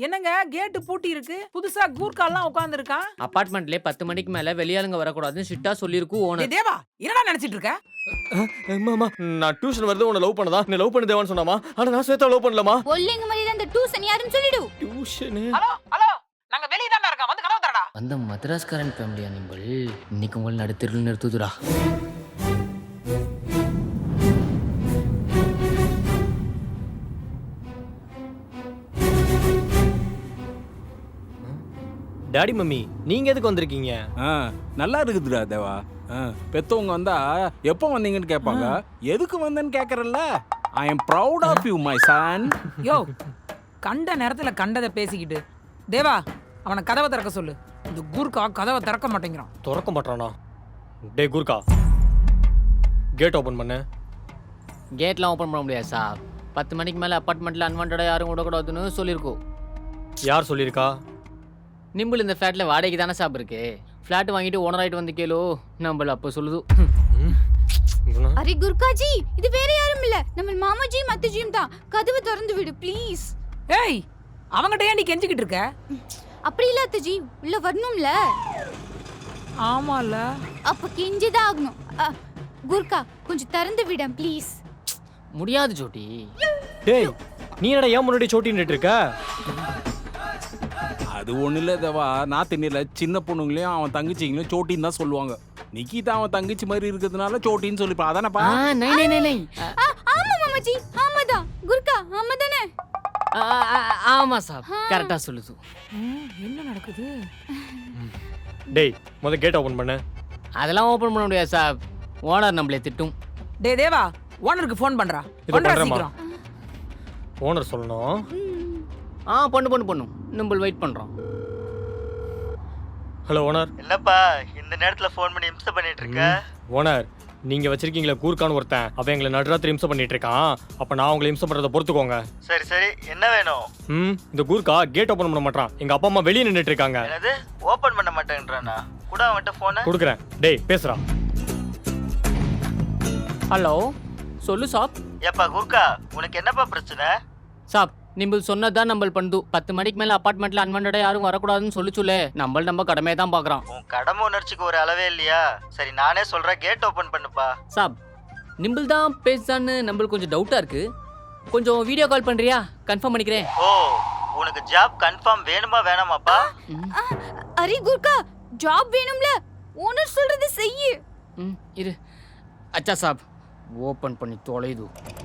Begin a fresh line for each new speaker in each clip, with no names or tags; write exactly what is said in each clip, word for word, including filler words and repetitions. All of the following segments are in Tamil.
என்னங்க கேட்டு பூட்டி இருக்கு, புதுசா கூர்க்காலாம் உட்கார்ந்துருக்கான்.
அபார்ட்மெண்ட்லயே பத்து மணிக்கு மேல வெளியாளுங்க வரக்கூடாதுன்னு ஸ்ட்ரிக்ட்டா சொல்லிருக்கு
ஏ
ஓனர்.
தேவா, என்னடா நினைச்சிட்டு இருக்க?
அம்மா நான் டியூஷன் வருது உன்னை லவ் பண்ணதா நீ லவ் பண்ண தேவான்னு சொன்னாமா ஆனா நான் ஸ்வேதா லவ் பண்ணலமா
ஒல்லிங்க மாதிரி அந்த டியூஷன் யாருன்னு சொல்லிடு.
டியூஷன்
ஹலோ ஹலோ, நாங்க வெளிய தான் இருக்கோம், வந்து கதவு தரடா.
அந்த மദ്രാஸ்காரன் ஃபேமிலியா நிம்பல் இன்னைக்கு உங்களை நடுத்தெருவில் நிறுத்துதுடா.
டாடி மம்மி நீங்க எதுக்கு வந்திருக்கீங்க?
ஆ, நல்லா இருக்குதுடா தேவா. ஆ, பெத்தவங்க வந்தா எப்போ வந்தீங்கன்னு கேட்பாங்க. எதுக்கு வந்தேன்னு கேட்கறல்ல. I am proud of you my son.
யோ, கண்ட நேரத்துல கண்டதை பேசிக்கிட்டு தேவா, அவனை கதவை திறக்க சொல்லு. இந்த கூர்க்கா கதவை திறக்க மாட்டேங்கிறான்.
திறக்க மாட்டானா? டே குர்கா கேட் ஓபன் பண்ணு.
கேட்லாம் ஓப்பன் பண்ண முடியாது சார். பத்து மணிக்கு மேல அபார்ட்மெண்ட்ல அன்வான்டா யாரும் விடக்கூடாதுன்னு சொல்லியிருக்கோம்.
யார் சொல்லியிருக்கா?
நிம்பிள் இந்த ஃபிளாட்ல வாடகைக்கு தானே சாப் இருக்கு. ஃபிளாட் வாங்கிட்டு ஓனர் ஆயிட்டு வந்து கேளோ நம்மள அப்ப சொல்லுது.
அரே குர்காஜி, இது வேற யாரும் இல்ல, நம்ம மாமாஜியும் அத்தைஜியும் தான். கதவை திறந்து விடு ப்ளீஸ்.
ஏய், அவங்கிட்ட ஏன் நீ கெஞ்சிக்கிட்டு இருக்க?
அப்படி இல்ல அத்தைஜி, உள்ள வரணும்ல.
ஆமால,
அப்ப கெஞ்சிதான் ஆகணும். அ, குர்கா கொஞ்சம் திறந்து விட ப்ளீஸ்.
முடியாது ஜோட்டி.
டேய் நீ என்னடா ஏன் முன்னாடி சோட்டின்னு இருக்க?
அது ஒண்ணு இல்ல தேவா, நான் தெரியல, சின்ன பொண்ணுங்களையும் அவன் தங்கச்சிங்களையும் சோட்டின்னு தான் சொல்லுவாங்க. நிக்கிதா அவன் தங்கச்சி மாதிரி இருக்கிறதுனால சோட்டின்னு சொல்லிப்பா. அதானப்பா?
ஆ நை நை நை நை.
ஆ, ஆமா மாமாஜி, ஆமாதான். குர்கா ஆமாதானே?
ஆ, ஆ, ஆமா சார், கரெக்டா சொல்லுது.
என்ன நடக்குது?
டேய் முத கேட் ஓபன் பண்ணு.
அதெல்லாம் ஓபன் பண்ண முடியாது சார். ஓனர் நம்மளே திட்டும்.
டே தேவா, ஓனருக்கு ஃபோன் பண்றா.
இது
பண்றா
பண்றேம்மா.
சீக்கிரம்.
ஓனர் சொல்லணும்.
ஆ பண்ணு பண்ணு பண்ணு, நம்ம வெயிட் பண்றோம்.
Hello owner.
என்னப்பா இந்த நேரத்துல ஃபோன் பண்ணி இம்சை பண்ணிட்டு இருக்க?
ஓனர் நீங்க வச்சிருக்கீங்களா கூர்க்கான்னு ஒருத்தன், அவன் எங்களை நடுராத்திரி இம்சை பண்ணிட்டு இருக்கான். அப்ப நான் உங்களை இம்சை பண்றதை பொறுத்துக்கோங்க.
சரி சரி, என்ன வேணும்?
ம் இந்த கூர்க்கா கேட் ஓபன் பண்ண மாட்டான். எங்க அப்பா அம்மா வெளியே நின்னுட்டு இருக்காங்க.
என்னது ஓபன் பண்ண மாட்டேன்றானா? கூட அவன்கிட்ட போன
கொடுக்குறேன். டேய் பேசுறா.
ஹலோ சொல்லு சாப்.
ஏப்பா குர்கா, உனக்கு என்னப்பா பிரச்சனை?
சாப் நிம்பிள் சொன்னதான் நம்ம பண்ணுது. பத்து மணிக்கு மேல அபார்ட்மெண்ட்ல அன்வான்டா யாரும் வரக்கூடாதுன்னு சொல்லி சொல்லு. நம்ம நம்ம கடமையை தான் பாக்குறோம்.
உன் கடமை உணர்ச்சிக்கு ஒரு அளவே இல்லையா? சரி நானே சொல்றேன், கேட் ஓபன் பண்ணுப்பா.
சாப் நிம்பிள் தான் பேசுதான்னு நம்மளுக்கு கொஞ்சம் டவுட்டா இருக்கு. கொஞ்சம் வீடியோ கால் பண்றியா? கன்ஃபார்ம் பண்ணிக்கிறேன்.
ஓ, உனக்கு ஜாப் கன்ஃபார்ம் வேணுமா வேணாமாப்பா?
ஆ, அரே குர்கா, ஜாப் வேணும்ல, ஓனர் சொல்றது செய்யு.
ம் இரு. அச்சா சாப் ஓபன் பண்ணி தொலைது.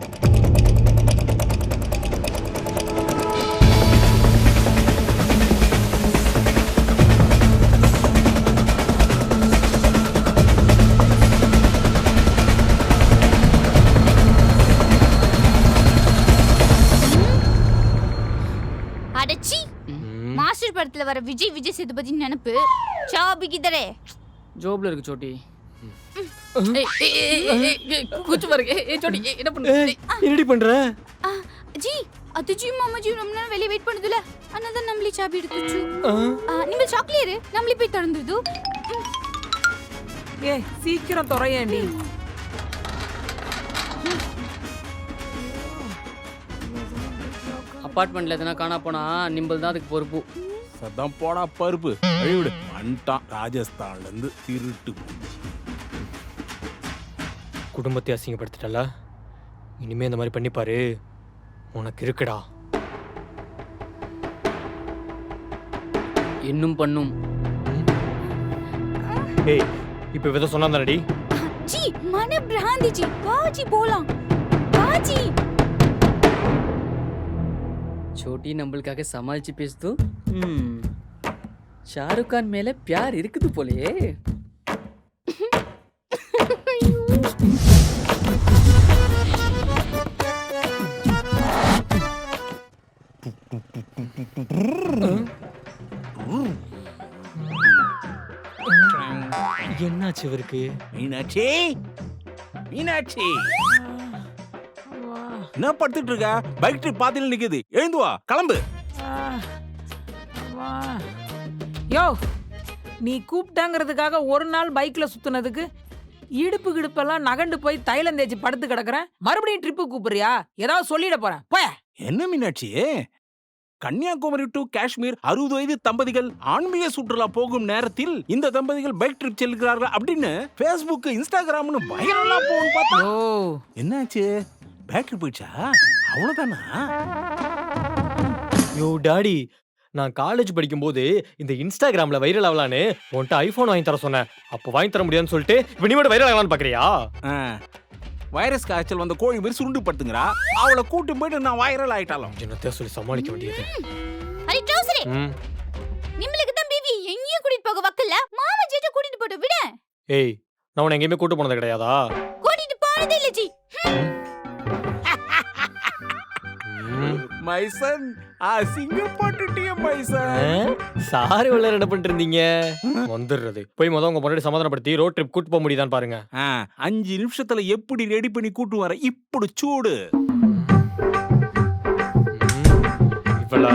அடச்சி, மாஸ்டர் படத்துல வர விஜய் விஜய் சேதுபதி நினைப்பு சாபிக்கிதரே.
ஜோப்ல இருக்கு சோட்டி. ஏய் ஏய் ஏய் ஏய் குச்சு பாருங்க. ஏய் சோட்டி என்ன பண்ணு?
என்னடி பண்ற?
ஆ, ஜி அத்துஜி மாமாஜி ரொம்ப நேரம் வெளிய வெயிட் பண்ணுதுல, அண்ணாதான் நம்மளே சாபி எடுத்துச்சு. நீங்க சாக்லேட் நம்மளே போய் திறந்துது.
ஏ சீக்கிரம் துறையேண்டி.
அபார்ட்மெண்ட்ல எதனா காணா போனா நிம்பிள் தான் அதுக்கு பொறுப்பு.
சத்தம் போடா பருப்பு. அழிவிடு வந்துட்டான் ராஜஸ்தான்ல இருந்து திருட்டு.
குடும்பத்தை அசிங்கப்படுத்திட்டல, இனிமே இந்த மாதிரி பண்ணிப்பாரு, உனக்கு இருக்குடா.
இன்னும் பண்ணும்.
ஏய் இப்போ வித சொன்னாதானடி?
ஜி மன பிராந்தி ஜி, வாஜி போலாம் வாஜி.
சோட்டி நம்மளுக்காக சமாளிச்சு பேசுது. ம் ஷாருக் கான் மேல பியார் இருக்குது போலயே.
என்னாச்சு இவருக்கு?
மீனாட்சி, மீனாட்சி என்ன படுத்துட்டு இருக்க? பைக் ட்ரிப் பாதியில நிக்குது, எழுந்து வா, கிளம்பு.
யோ, நீ கூப்பிட்டாங்கிறதுக்காக ஒரு நாள் பைக்ல சுத்துனதுக்கு இடுப்பு கிடுப்பெல்லாம் நகண்டு போய் தைலம் தேய்ச்சி படுத்து கிடக்குறேன். மறுபடியும் ட்ரிப்பு கூப்பிடுறியா? ஏதாவது சொல்லிட போறேன். போய.
என்ன மீனாட்சி, கன்னியாகுமரி டு காஷ்மீர் அறுபது வயது தம்பதிகள் ஆன்மீக சுற்றுலா போகும் நேரத்தில் இந்த தம்பதிகள் பைக் ட்ரிப் செல்கிறார்கள் அப்படின்னு Facebook இன்ஸ்டாகிராம்னு வைரலா போகும் பார்த்தா
ஓ
என்னாச்சு பேட்டரி போயிடுச்சா அவ்வளவுதானா
யோ டாடி நான் காலேஜ் படிக்கும்போது இந்த இன்ஸ்டாகிராம்ல வைரல் ஆகலான்னு உன்கிட்ட ஐபோன் வாங்கி தர சொன்னேன். அப்போ வாங்கி தர முடியாதுன்னு சொல்லிட்டு இப்போ நீ மட்டும் வைரல் ஆகலான்னு பாக்குறியா?
ஆ, வைரஸ் காய்ச்சல் வந்த கோழி மாதிரி சுருண்டு படுத்துங்கிறா அவளை கூட்டி போயிட்டு நான் வைரல் ஆயிட்டாலும்
என்னத்தை சொல்லி சமாளிக்க வேண்டியது.
அடி ட்ரௌசரே
ம்.
நிம்மளுக்கு தான் பேபி எங்கேயும் கூட்டிட்டு போக வக்கல மாமா ஜெட்ட கூட்டிட்டு போட்டு விட
ஏய் நான் உன்னை எங்கேயுமே கூட்டு போனது கிடையாதா?
கூட்டிட்டு போனதே இல்ல ஜி
ம்.
மைசன் அசிங்கப்பட்டுட்டிய மைசன்
சாரி உள்ள என்ன பண்ணிட்டு இருந்தீங்க? வந்துடுறது போய் மொதல் உங்க முன்னாடி சமாதானப்படுத்தி ரோட் ட்ரிப் கூட்டு போக முடியுதான்னு பாருங்க.
ஆ, அஞ்சு நிமிஷத்துல எப்படி ரெடி பண்ணி கூட்டு வர இப்படி சூடு
இவள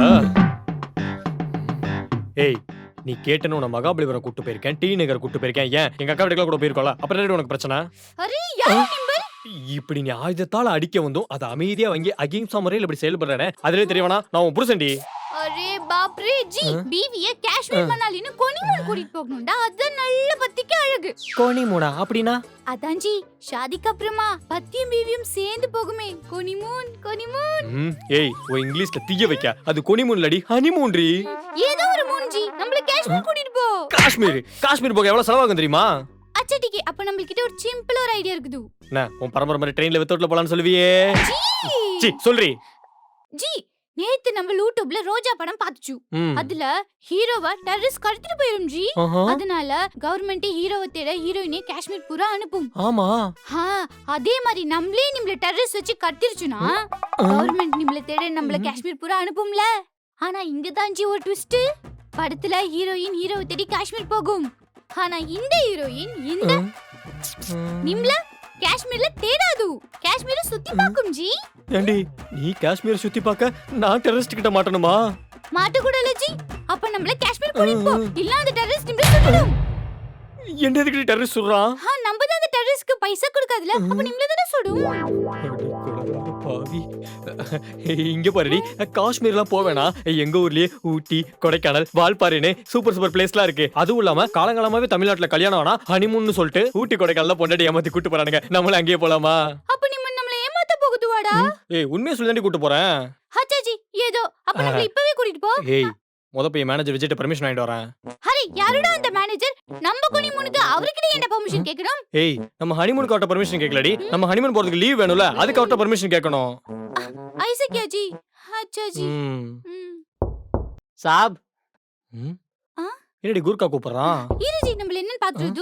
ஏய் நீ கேட்டனு உன மகாபலிபுரம் கூட்டு போயிருக்கேன், டி நகர் கூட்டு போயிருக்கேன். ஏன் எங்க அக்கா வீட்டுக்குள்ள கூட போயிருக்கோம்ல, அப்புறம் என்ன உனக்கு பிரச்சனை?
அரே யார் நிம்பல்
இப்படி நீ ஆயுதத்தால அடிக்க வந்தும் அதை அமைதியா வாங்கி அகிம்சா முறையில் இப்படி செயல்படுறேனே அதுலயே தெரியவனா நான் உன் புருஷன்டி.
அரே பாப் ரே ஜி பீவிய காஷ்மீர் மணாலின்னு கொனிமூன் கூட்டிட்டு போகணும்டா அதான் நல்ல பத்திக்கு அழகு.
கோணி மூடா அப்படின்னா?
அதான் ஜி ஷாதிக்கு அப்புறமா பத்தியும் பீவியும் சேர்ந்து போகுமே கொனிமூன் கொனிமூன்.
ம், ஏய் ஓ இங்கிலீஷ்ல தீய வைக்க அது கொனிமூன் இல்லடி ஹனிமூன்ரி.
ஏதோ ஒரு மூன் ஜி நம்மள காஷ்மீர் கூட்டிட்டு போ.
காஷ்மீர் காஷ்மீர் போக எவ்வளவு செலவாகும் தெரியுமா?
அச்சா டிகே அப்ப நம்மகிட்ட ஒரு சிம்பிள் ஒரு ஐடியா இருக்குது.
என்ன உன் பரம்பரை மாதிரி ட்ரெயின்ல வித்தோட்ல போலான்னு சொல்லுவியே?
ஜி
சி சொல்றி.
ஜி நேத்து நம்ம யூடியூப்ல ரோஜா படம் பாத்துச்சு.
ம்.
அதுல ஹீரோவா டெரரிஸ்ட் கடத்திட்டு போயிரும் ஜி.
ஆஹா.
அதனால கவர்மெண்ட் ஹீரோவை தேட ஹீரோயினை காஷ்மீர் பூரா அனுப்பும்.
ஆமா.
ஹா அதே மாதிரி நம்மளே நம்மள டெரரிஸ்ட் வச்சு கடத்திருச்சுனா கவர்மெண்ட் நம்மள தேட நம்மள காஷ்மீர் பூரா அனுப்பும்ல. ஆனா இங்க தான் ஜி ஒரு ட்விஸ்ட். படத்துல ஹீரோயின் ஹீரோவை தேடி காஷ்மீர் போகும். ஆனா இந்த ஹீரோயின் இந்த நிம்ல காஷ்மீர்ல தேடாது காஷ்மீரை சுத்தி பாக்கும் ஜி.
ஏண்டி நீ காஷ்மீர் சுத்தி பார்க்க நான் டெரரிஸ்ட் கிட்ட மாட்டணுமா?
மாட்ட கூட இல்ல ஜி. அப்ப நம்மள காஷ்மீர் கூட்டிட்டு போ இல்ல அந்த டெரரிஸ்ட் நிம்ல சுடணும்.
என்ன எதுக்கு டெரரிஸ்ட் சொல்றான்?
ஹா நம்ம தான் அந்த டெரரிஸ்ட்க்கு பைசா கொடுக்காதல அப்ப நிம்ல தான சுடும்.
பாவி இங்க பாருடி காஷ்மீர்லாம் போவேனா எங்க ஊர்லயே ஊட்டி கொடைக்கானல் வால்பாறைன்னு சூப்பர் சூப்பர் பிளேஸ்லாம் இருக்கு. அதுவும் இல்லாம காலங்காலமாவே தமிழ்நாட்டுல கல்யாணம் ஆனா ஹனிமூன்னு சொல்லிட்டு ஊட்டி கொடைக்கானல்ல பொண்டாட்டி ஏமாத்தி கூட்டு போறானுங்க. நம்மள அங்கேயே போலாமா?
அப்ப நிம்ம நம்மள ஏமாத்த போகுதுவாடா.
ஏய் உண்மையை சொல்லி தாண்டி கூட்டு போறேன்.
ஹச்சாஜி ஏதோ அப்ப நம்மள இப்பவே கூட்டிட்டு போ.
ஏய் முத போய் மேனேஜர் விஜய்ட்ட பெர்மிஷன் வாங்கிட்டு வரேன்.
ஹரி யாருடா அந்த மேனேஜர்? நம்ம கொனிமுனுக்கு அவர்கிட்ட என்ன பெர்மிஷன் கேக்கணும்?
ஏய் நம்ம ஹனிமூனுக்கு அவர்ட்ட பெர்மிஷன் கேட்கலடி. நம்ம ஹனிமூன் போறதுக்கு லீவ் வேணும்ல அதுக்கு அவர்ட்ட பெர்மிஷன் கேட்கணும்.
ஐசக்கியா ஜி ஹச்சாஜி.
ம்.
ம்.
சாப்
ம்.
ஆ?
என்னடி கூர்க்கா கூப்பிடுறான்?
இரு ஜி நம்மள என்னன்னு பாத்துறது.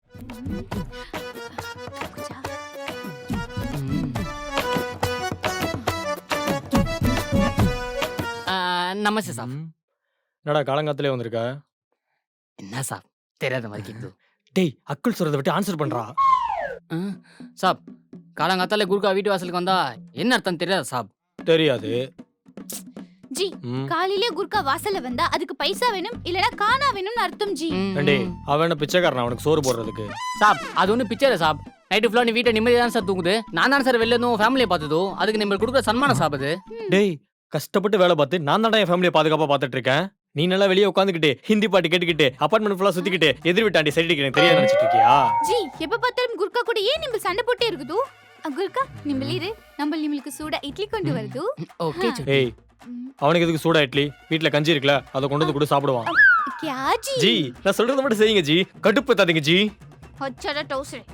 நமஸ்தே சாப்.
ம். என்னடா காலங்காத்திலே வந்திருக்க?
என்ன சாப் தெரியாத மாதிரி கேக்குது.
டேய் அக்குள் சொல்றத விட்டு ஆன்சர் பண்றா.
ஆ, சாப் காலங்காத்தால குருக்கா வீட்டு வாசலுக்கு வந்தா என்ன அர்த்தம் தெரியாதா சாப்?
தெரியாது.
ஜி
ம்.
காலையிலே குர்கா வாசல்ல வந்தா அதுக்கு பைசா வேணும் இல்லனா காணா வேணும்னு அர்த்தம் ஜி.
ம்.
ஏண்டி அவன் என்ன பிச்சைக்காரன் அவனுக்கு சோறு போடுறதுக்கு?
சாப் அது ஒன்றும் பிக்சர் சாப். நைட்டு ஃபுல்லாக நீ வீட்டை நிம்மதியாக தான் சார் தூங்குது. நான் தான் சார் வெளில இருந்தும் ஃபேமிலியை பார்த்ததோ அதுக்கு நம்ம கொடுக்குற சன்மானம் சாப் அது.
டேய் கஷ்டப்பட்டு வேலை பார்த்து நான் தான்டா என் ஃபேமிலியை பாதுகாப்பா பார்த்துட்டு இருக்கேன். நீ நல்லா வெளியே உட்காந்துக்கிட்டு ஹிந்தி பாட்டு கேட்டுக்கிட்டு அபார்ட்மெண்ட் ஃபுல்லா சுத்திக்கிட்டு எதிர் வீட்டாண்டி சைடு எனக்கு தெரியாது நினைச்சிட்டு இருக்கியா?
ஜி எப்ப பார்த்தாலும் குர்கா கூட ஏன் நிம்பல் சண்டை போட்டே இருக்குது? குர்கா நிம்பல் இரு நம்ம நிம்பலுக்கு சூடா இட்லி கொண்டு வருது.
ஓகே
ஏய் அவனுக்கு எதுக்கு சூடா இட்லி? வீட்ல கஞ்சி இருக்குல அதை கொண்டு வந்து கூட சாப்பிடுவான்.
क्या जी?
ஜி நான் சொல்றத மட்டும் செய்யுங்க ஜி, கடுப்பு தாதீங்க ஜி.
அச்சடா டவுசரே.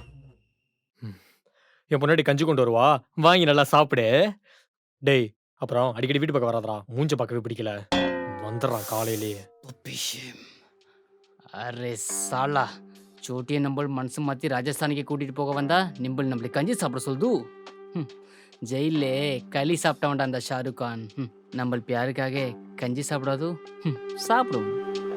என் பொண்டாட்டி கஞ்சி கொண்டு வருவா, வாங்கி நல்லா சாப்பிடு. டேய் அப்புறம் அடிக்கடி வீட்டு பக்கம் வராதடா, மூஞ்ச பார்க்கவே பிடிக்கல. வந்துடுறான் காலையிலேயே.
அரே சாலா சோட்டியை நம்ம மனசு மாற்றி ராஜஸ்தானுக்கு கூட்டிட்டு போக வந்தா நிம்பல் நம்மளை கஞ்சி சாப்பிட சொல்லுது. ஜெயிலே களி சாப்பிட்டவன்டா அந்த ஷாருக் கான். நம்ம பியாருக்காக கஞ்சி சாப்பிடாது சாப்பிடும்.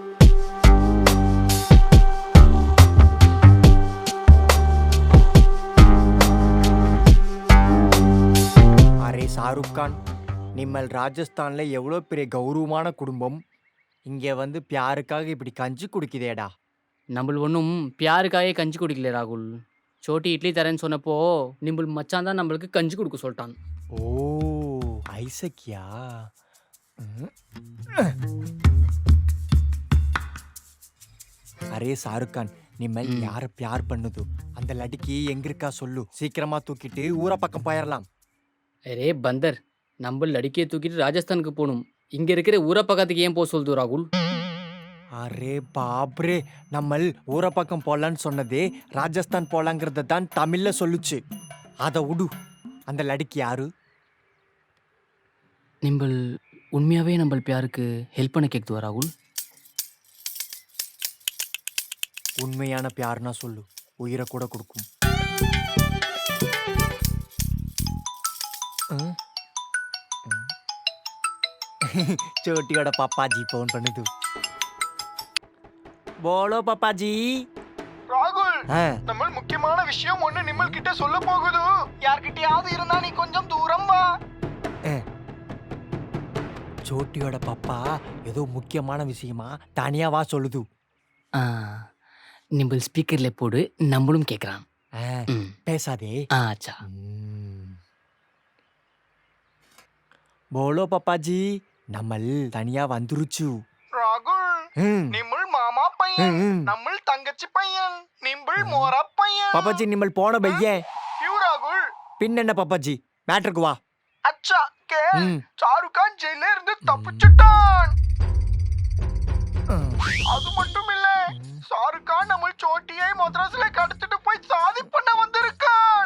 அரே ஷாருக் கான், நிம்மல் ராஜஸ்தான்ல எவ்வளோ பெரிய கௌரவமான குடும்பம், இங்கே வந்து பியாருக்காக இப்படி கஞ்சி குடிக்குதேடா.
நம்ம ஒன்றும் பியாருக்காக கஞ்சி குடிக்கல ராகுல். சோட்டி இட்லி தரேன்னு சொன்னப்போ நிம்பல் மச்சான் தான் நம்மளுக்கு கஞ்சி கொடுக்க சொல்லிட்டான்.
ஓ ஐசக்கியா. அரே ஷாருக் கான் நிம்மல் யார பியார் பண்ணுது அந்த லடிக்கு எங்க இருக்கா சொல்லு சீக்கிரமா தூக்கிட்டு ஊர பக்கம் போயிடலாம்.
அரே பந்தர், நம்ம லடிக்கையை தூக்கிட்டு ராஜஸ்தானுக்கு போகணும். இங்க இருக்கிற ஊரை பக்கத்துக்கு ஏன் போக சொல்லுது ராகுல்?
அரே பாப்ரே, நம்ம ஊர பக்கம் போலான்னு சொன்னதே ராஜஸ்தான் போலாங்கிறத தான் தமிழ்ல சொல்லுச்சு. அத விடு. அந்த லடிக்கு யாரு?
நிம்பல் உண்மையாவே நம்ம பியாருக்கு ஹெல்ப் பண்ண கேக்குதுவா ராகுல்?
உண்மையான பியார்னா சொல்லு, உயிரை கூட கொடுக்கும். ம்? ம். சோட்டியோட பாப்பாஜி போன் பண்ணுது. போலோ பாப்பாஜி.
ராகுல்,
ஆ,
நம்ம முக்கியமான விஷயம் ஒண்ணு நிம்மல் கிட்ட சொல்ல போகுது. யார்கிட்டயாவது இருந்தா நீ கொஞ்சம் தூரம் வா.
சோட்டியோட பாப்பா ஏதோ முக்கியமான விஷயமா தனியா வா சொல்லுது.
ஆ, நிம்பல் ஸ்பீக்கர்ல போடு, நம்மளும் கேட்கறான்.
ஆ,
ம்.
பேசாதே.
ஆ, அச்சா.
ம். போலோ பாப்பாஜி, நம்ம தனியா வந்துருச்சு.
ராகுல்,
ம்,
நிம்மல் மாமா பையன்,
ம், ம்.
நம்ம தங்கச்சி பையன், நிம்மல் மோரா பையன்.
பாப்பாஜி நிம்மல் போன பையன்.
யூ ராகுல்,
பின் என்ன பாப்பாஜி, மேட்ருக்கு வா.
அச்சா கே
ம்.
ஷாருக் கான் ஜெயில இருந்து தப்பிச்சிட்டான்.
ம்.
அது மட்டும் இல்ல, ஷாருக் கான் நம்ம சோட்டியை மദ്രാസിல கடத்திட்டு போய் சாதி பண்ண வந்திருக்கான்.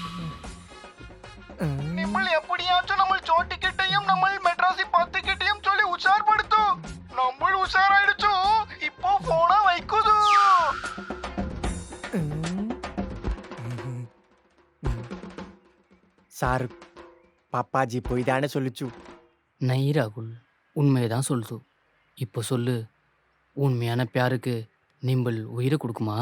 ம்.
நிம்மல் எப்படியாச்சும் நம்ம சோட்டி கிட்டையும் நம்ம மெட்ராசி பத்து கிட்டையும் சொல்லி உஷார்படுத்து. நம்ம உஷாராயிடுச்சு, இப்போ போனா வைக்குது.
சாரு பாப்பாஜி போய் தானே சொல்லுச்சு.
நை ராகுல், உண்மையதான் சொல்லுது. இப்போ சொல்லு, உண்மையான பியாருக்கு நிம்பல் உயிரை கொடுக்குமா?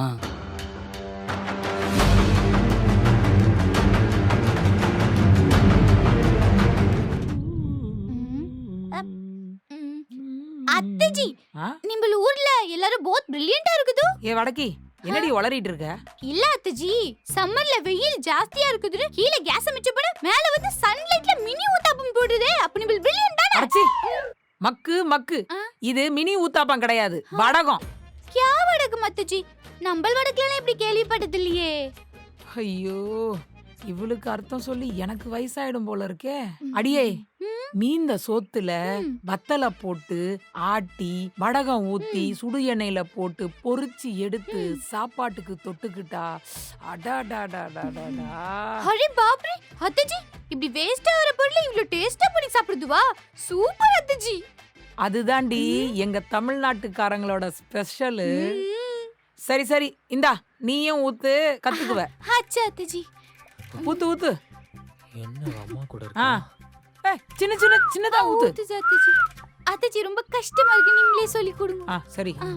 அத்தஜி,
ஆ?
நிம்பல் ஊர்ல எல்லாரும் போத் பிரில்லியண்டா இருக்குது.
ஏ வடக்கி, என்னடி உளறிட்டு இருக்க?
இல்ல அத்தஜி, சம்மர்ல வெயில் ஜாஸ்தியா இருக்குது, கீழே கேஸ் மிச்சப்பட மேல வந்து சன்லைட்ல மினி ஊத்தாப்பம் போடுதே. அப்ப நிம்பல் பிரில்லியண்ட் தானே?
அடச்சி, மக்கு மக்கு.
ஆ?
இது மினி ஊத்தாப்பம் கிடையாது, வடகம்.
கியா வடக்கு அத்தஜி, நம்பல் வடக்குலாம் இப்படி கேள்விப்பட்டது இல்லையே.
ஐயோ, இவளுக்கு அர்த்தம் சொல்லி எனக்கு வயசாயிடும் போல இருக்கே. அடியே, மீந்த சோத்துல வத்தலை போட்டு ஆட்டி வடகம் ஊத்தி சுடு எண்ணெயில போட்டு பொரிச்சு எடுத்து சாப்பாட்டுக்கு தொட்டுக்கிட்டா அடாடாடாடாடா.
அரே பாப்ரே, அத்தஜி இப்படி வேஸ்டா வர பொருளை இவ்ளோ டேஸ்டா பண்ணி சாப்பிடுதுவா? சூப்பர் அத்தஜி.
அதுதாண்டி எங்க தமிழ்நாட்டுக்காரங்களோட ஸ்பெஷலு. சரி சரி, இந்தா நீயும் ஊத்து, கத்துக்குவ.
அச்சா அத்தஜி.
ஊத்து ஊத்து.
என்ன அம்மா கூட
ஆ, ஏய், சின்ன சின்ன சின்னதா ஊத்து.
ஊத்து அத்தஜி. அத்தஜி ரொம்ப கஷ்டமா இருக்கு, நீங்களே சொல்லி கொடுங்க.
ஆ சரி.
ஆ.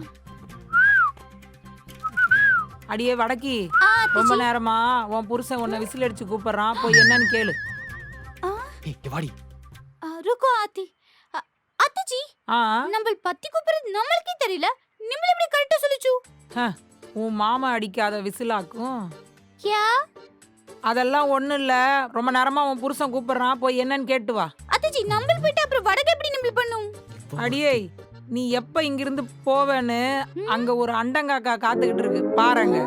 அடியே வடக்கி,
ஆ
ரொம்ப
அத்தஜி.
நேரமா உன் புருஷன் உன்னை விசில் அடிச்சு கூப்பிடுறான், போய் என்னன்னு கேளு.
ஆ,
ஏய், இங்க வாடி.
ஆ, ருக்கோ ஆத்தி. அ, அத்தஜி,
ஆ,
நம்மள் பத்தி கூப்பிடுறது நம்மளுக்கே தெரியல, நிம்மள் எப்படி கரெக்டா சொல்லுச்சு?
உன் மாமா அடிக்காத விசிலாக்கும்.
கியா?
அதெல்லாம் ஒண்ணும் இல்ல, ரொம்ப நேரமா உன் புருஷன் கூப்பிடுறான், போய் என்னன்னு கேட்டு வா.
அத்தஜி, நம்மள் போயிட்டு அப்புறம் வடக்கு எப்படி நிம்மள் பண்ணும்?
அடியே, நீ எப்ப இங்கிருந்து போவேன்னு அங்க ஒரு அண்டங்காக்கா காத்துக்கிட்டு இருக்கு பாருங்க.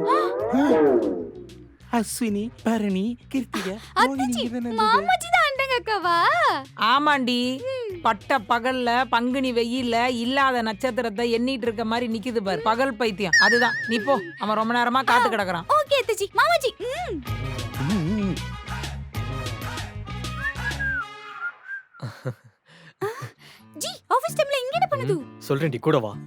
அஸ்வினி, பரணி, கிருத்திகா,
அத்தஜி, மாமாஜி தான் அண்டங்கக்கவா?
ஆமாண்டி, பட்ட பகல்ல பங்குனி வெயில்ல இல்லாத நட்சத்திரத்தை எண்ணிட்டு இருக்க மாதிரி நிக்குது பாரு, பகல் பைத்தியம். அதுதான், நீ போ, அவன் ரொம்ப நேரமா காத்து கிடக்குறான்.
ஓகே அத்தஜி. மாமாஜி. ம். ஜி, ஆபீஸ் டைம்ல இங்க என்ன பண்ணுது?
சொல்றேன்டி, கூட வா.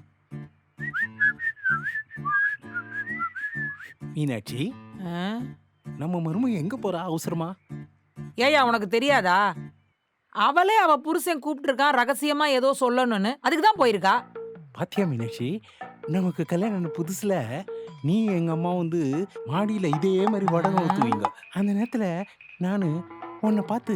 மீனாட்சி,
ஆ?
நம்ம மருமக எங்க போறா அவசரமா?
ஏய்யா, உனக்கு தெரியாதா? அவளே அவ புருஷன் கூப்பிட்டு இருக்கான், ரகசியமா ஏதோ சொல்லணும்னு, அதுக்கு தான் போயிருக்கா.
பாத்தியா மீனாட்சி, நமக்கு கல்யாணம் புதுசுல நீ எங்க அம்மா வந்து மாடியில இதே மாதிரி வடகம் ஊத்துவீங்க. அந்த நேரத்துல நானு உன்னை பார்த்து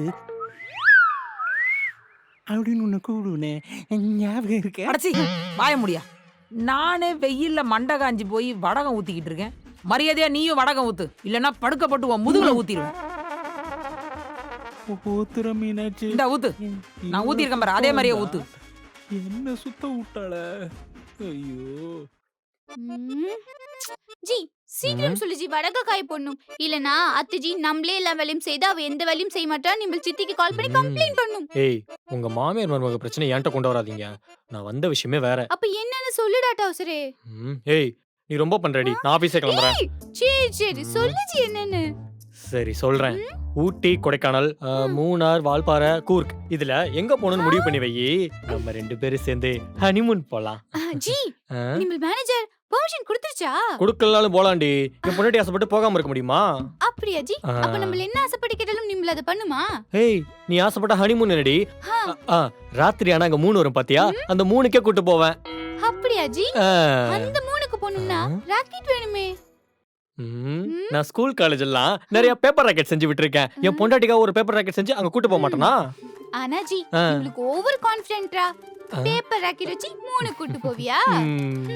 அப்படின்னு உன்னை கூப்பிடுவேனே, ஞாபகம் இருக்கே?
அடச்சி, வாய முடியா. நானே வெயில்ல மண்டை காஞ்சி போய் வடகம் ஊத்திக்கிட்டு இருக்கேன். மரியாதையா நீயும் வடகம் ஊத்து, இல்லைன்னா படுக்கப்பட்டு உன் முதுகுல ஊத்திடுவேன்.
ஊத்துற மீனாட்சி.
இந்த ஊத்து. நான் ஊத்திருக்கேன் பாரு, அதே மாதிரியே ஊத்து.
என்ன சுத்த விட்டாள. ஐயோ.
ம். ஜி சீக்கிரம் சொல்லு ஜி, வடக காய போடணும். இல்லனா அத்தை ஜி நம்மளே எல்லா வேலையும் செய்து அவ எந்த வேலையும் செய்ய மாட்டா. நம்ம சித்திக்கு கால் பண்ணி கம்ப்ளைண்ட் பண்ணும்.
ஏய் உங்க மாமியார் மருமக பிரச்சனை என்கிட்ட கொண்டு வராதீங்க. நான் வந்த விஷயமே வேற.
அப்ப என்னன்னு சொல்லுடா டவுசரே.
ம், ஏய் நீ ரொம்ப பண்றடி. நான் ஆபீஸே கிளம்புறேன்.
சரி சரி சொல்லு ஜி என்னன்னு.
சரி சொல்றேன். ஊட்டி, கொடைக்கானல், ஆ, மூணார், வால்பாறை, கூர்க் இதுல எங்க போகணும்னு முடிவு பண்ணி வை. நம்ம ரெண்டு பேரும் சேர்ந்து ஹனிமூன் போலாம்.
ஆ, ஜி
ஆ?
நம்ம மேனேஜர் பெர்மிஷன் கொடுத்துருச்சா?
கொடுக்கலனாலும் போலாண்டி. என் பொண்டாட்டி ஆசைப்பட்டு போகாம இருக்க முடியுமா?
அப்படியா ஜி?
ஆ.
அப்ப நம்ம என்ன ஆசைப்பட்டு கேட்டாலும் நிம்மல அத பண்ணுமா?
ஏய் நீ ஆசைப்பட்ட ஹனிமூன் என்னடி?
ஆ.
ஆ, ராத்திரி ஆனா அங்க மூணு வரும் பாத்தியா? அந்த மூணுக்கே கூட்டு போவேன்.
அப்படியா ஜி?
ஆ.
அந்த மூணுக்கு போணும்னா ராக்கெட் வேணுமே.
ம், நான் ஸ்கூல் காலேஜ் எல்லாம் நிறைய பேப்பர் ராக்கெட் செஞ்சு விட்டுருக்கேன். என் பொண்டாட்டிக்கா ஒரு பேப்பர் ராக்கெட் செஞ்சு அங்க கூட்டு போக மாட்டேனா?
ஆனா ஜி
ஆ.
உங்களுக்கு ஓவர் கான்ஃபிடென்ட்டா? பேப்பர் ராக்கெட் வச்சு மூணு கூட்டு போவியா?
ம்.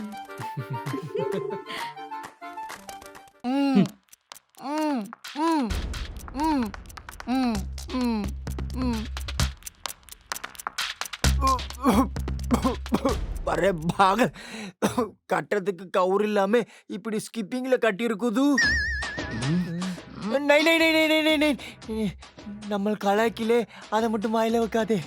ம். ம். ம். ம். ம். ம். ம்.
அரே பாக கட்டுறதுக்கு கவுர் இல்லாம இப்படி ஸ்கிப்பிங்ல கட்டி இருக்குது. நை நை நை நை நை நை நை நம்ம கலாய்க்கிலே அதை மட்டும் வாயில வைக்காதே.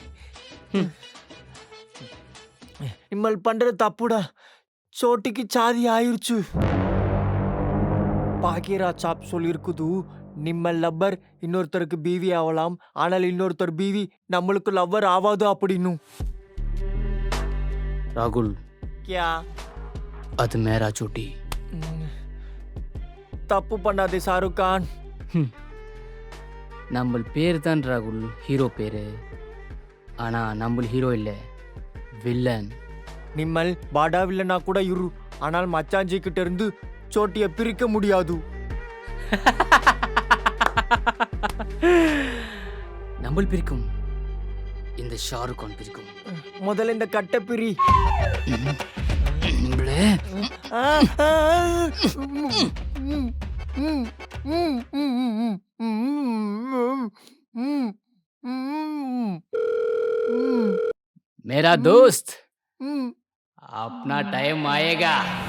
நிம்மல் பண்றது தப்புடா. சோட்டிக்கு சாதி ஆயிருச்சு. பாக்கியராஜ் சாப் சொல்லியிருக்குது, நிம்மல் லவ்வர் இன்னொருத்தருக்கு பீவி ஆகலாம், ஆனால் இன்னொருத்தர் பீவி நம்மளுக்கு லவ்வர் ஆவாது அப்படின்னு.
ராகுல்
கியா
அது மேரா சோட்டி.
தப்பு பண்ணாதே ஷாருக் கான்.
நம்ம பேர் தான் ராகுல் ஹீரோ பேரு. ஆனா நம்ம ஹீரோ இல்ல, வில்லன்.
நிம்மல் பாடா வில்லனா கூட இரு, ஆனால் மச்சாஞ்சி கிட்ட இருந்து சோட்டிய பிரிக்க முடியாது.
நம்ம பிரிக்கும், இந்த ஷாருக் கான் பிரிக்கும்.
முதல்ல இந்த கட்டை பிரி.
நம்மளே
ஆ, ஆ, ம், ம், ம், ம், ம், ம், ம், ம், ம்,
मेरा दोस्त
ம்.
अपना टाइम आएगा.